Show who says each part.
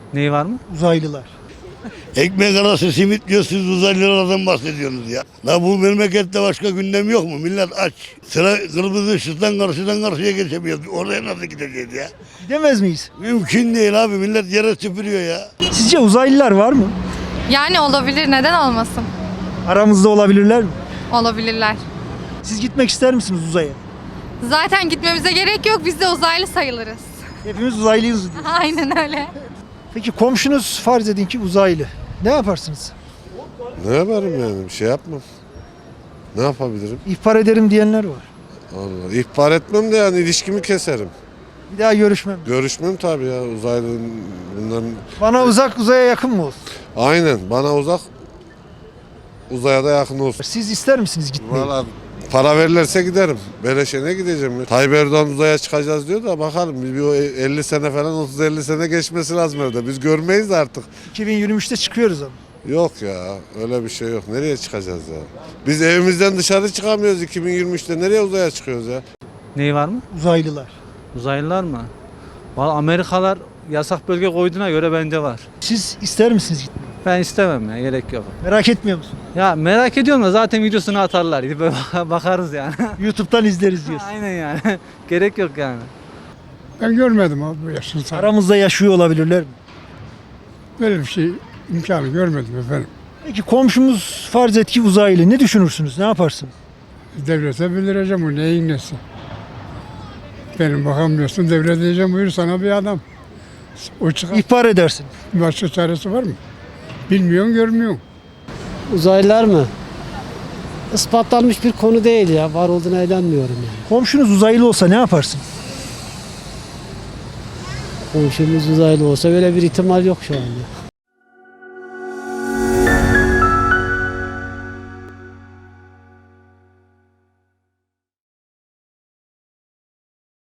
Speaker 1: Neyi var mı?
Speaker 2: Uzaylılar.
Speaker 3: Ekmek arası simit diyor, siz uzaylılardan bahsediyorsunuz ya. La bu memlekette başka gündem yok mu? Millet aç. Sıra kırmızı ışıktan karşıdan karşıya geçemiyoruz. Oraya nasıl gideceğiz ya?
Speaker 2: Gidemez miyiz?
Speaker 3: Mümkün değil abi, millet yere süpürüyor ya.
Speaker 2: Sizce uzaylılar var mı?
Speaker 4: Yani olabilir, neden olmasın?
Speaker 2: Aramızda olabilirler mi?
Speaker 4: Olabilirler.
Speaker 2: Siz gitmek ister misiniz uzaya?
Speaker 4: Zaten gitmemize gerek yok, biz de uzaylı sayılırız.
Speaker 2: Hepimiz uzaylıyız diyor.
Speaker 4: Aynen öyle.
Speaker 2: Peki komşunuz farz edin ki uzaylı. Ne yaparsınız?
Speaker 5: Ne yaparım yani? Bir şey yapmam. Ne yapabilirim?
Speaker 2: İhbar ederim diyenler var.
Speaker 5: Allah. İhbar etmem de yani ilişkimi keserim.
Speaker 2: Bir daha görüşmem.
Speaker 5: Görüşmem tabii ya uzaylı bunların.
Speaker 2: Bana uzak, uzaya yakın mı olsun?
Speaker 5: Aynen bana uzak, uzaya da yakın olsun.
Speaker 2: Siz ister misiniz gitmeyi?
Speaker 5: Valla para verirlerse giderim. Beleşe ne gideceğim ya? Tayyip Erdoğan uzaya çıkacağız diyor da bakalım. Bir o 50 sene falan 30-50 sene geçmesi lazım evde. Biz görmeyiz de artık.
Speaker 2: 2023'te çıkıyoruz ama.
Speaker 5: Yok ya öyle bir şey yok. Nereye çıkacağız ya? Biz evimizden dışarı çıkamıyoruz 2023'te. Nereye uzaya çıkıyoruz ya?
Speaker 1: Neyi var mı?
Speaker 2: Uzaylılar.
Speaker 1: Uzaylılar mı? Valla Amerikalar yasak bölge koyduğuna göre bence var.
Speaker 2: Siz ister misiniz gitmeyi?
Speaker 1: Ben istemem ya, gerek yok.
Speaker 2: Merak etmiyor musun?
Speaker 1: Ya merak ediyorum da zaten videosunu atarlar. Gidip böyle bakarız yani.
Speaker 2: YouTube'dan izleriz diyorsun.
Speaker 1: Aynen yani. Gerek yok yani.
Speaker 6: Ben görmedim abi bu yaşın sonra.
Speaker 2: Aramızda yaşıyor olabilirler mi?
Speaker 6: Böyle bir şey imkanı görmedim efendim.
Speaker 2: Peki komşumuz farz et ki uzaylı. Ne düşünürsünüz? Ne yaparsınız?
Speaker 6: Devlete bildireceğim o neyin nesi. Benim bakamıyorsun devlet diyeceğim buyur sana bir adam. O çıkar.
Speaker 2: İhbar edersiniz.
Speaker 6: Başka çaresi var mı? Bilmiyorsun görmüyorsun.
Speaker 7: Uzaylılar mı? Ispatlanmış bir konu değil ya. Var olduğuna inanmıyorum yani.
Speaker 2: Komşunuz uzaylı olsa ne yaparsın?
Speaker 7: Komşumuz uzaylı olsa böyle bir ihtimal yok şu anda.